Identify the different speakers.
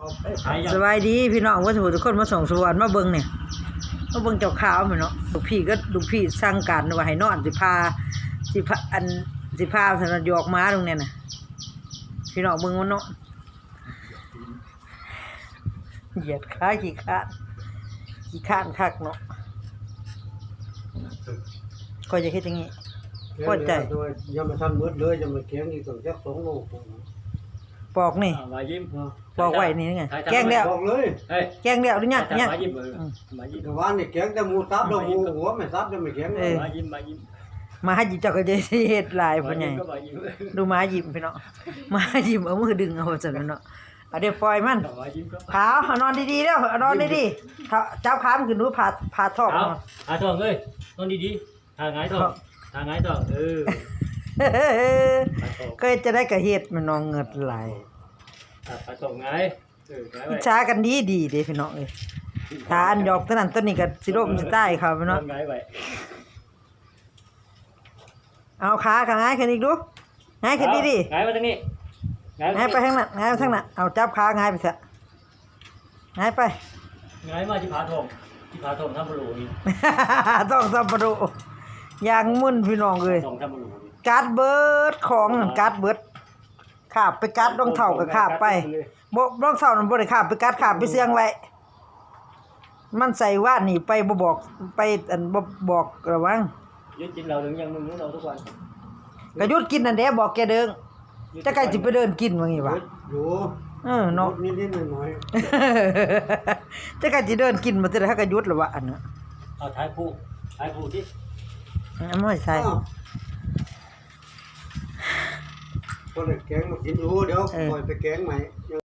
Speaker 1: สบายดีพี่น้องว่าทุกคนมาส่งสวรรค์มาเบิ่งเนี่ยมาเบิ่งเจ้าขาวเหมือนเนาะลูกพี่สั่งการว่าให้นอนสิพาอันสิพาสนหยอกม้าตรงเนี้ยน่ะพี่น้องเบิ่งมันเนาะเหยียดขาขี้ข้านคักเนาะก็จะคิดอย่างงี้พอใจ
Speaker 2: ยังมาทำมืดเลยยังมาแข็งอีกตั้งแค่2 โล
Speaker 1: ปอกนี่
Speaker 3: มายิ้ม
Speaker 1: ปอกไว้นี่ไงแกงแล้ว
Speaker 2: บอกเลย
Speaker 1: แกงแล้วหรือยังเนี่ย
Speaker 3: มายิ้มมายิ้ม
Speaker 2: แต่ว่านี่แข็งแต่หมูซับแล้วหมูหัวไม่ซับจะไม่แข็งเลย
Speaker 3: มายิ้มมายิ้ม
Speaker 1: มาหยิบเจ้าก็จะเฮ็ดหลายพ่อใหญ่ดูมาหยิบพี่น้องมาหยิบเอามือดึงเอาซั่นเนาะเอาเดี๋ยวปล่อยมันขาวเอานอนดีๆเด้อเอานอนดีๆจับขามันขึ้นดูผ่าท้อง
Speaker 3: ท้องเอ้ยนอนดีๆหาหงายท้อง
Speaker 1: ก็จะได้กระเฮ็ดมันนองเงิดหลาย
Speaker 3: ผ่าท้องหงาย
Speaker 1: อิจฉากันดีเด้พี่น้องเอ้ยถ้าอันหยอกตัวนั้นตัวนี้ก็สิล่มสิตายครับพี่น้อง
Speaker 3: หงายไว้
Speaker 1: เอาขาข้างง่ายขึ้นอีกดูง่ายขึ้นดี
Speaker 3: ๆง่ายมาทางนี้
Speaker 1: ง่ายไปทางนั้นง่ายไปทางนั้นเอาจับขาง่ายไปเถอะง่ายไป
Speaker 3: ง่ายมาที่ผาทองทำบลูนี่
Speaker 1: ต้องทำบลูอย่างมึนพี่น้องเลยการ์ดเบิร์ดของการ์ดเบิร์ดขาบไปการ์ดรองเท้ากับขาบไปรองเท้านั่นบ่ได้ขาบไปการ์ดขาบไปเสียงไว้มันใส่ว่านนี่ไปบ่บอกไปอันบ่บอกระวัง
Speaker 3: ยุดกินเราถึงยังมึงเราทุกวัน
Speaker 1: ก็ยุดกินนั่นแหละบอกแกเดิงจะใครสิไปเดินกินว่างี้วะ
Speaker 2: อยู่
Speaker 1: เนาะ
Speaker 2: นิดๆหน่อย
Speaker 1: ๆจะใครสิเดินกินมาแต่ถ้าก็ยุดแล้ววะอันน่ะ
Speaker 3: เอาท้ายผู้ที่
Speaker 1: ไม่ใช่
Speaker 2: ก็เลยแกงมากินดูเดี๋ยวปล่อยไปแกงใหม่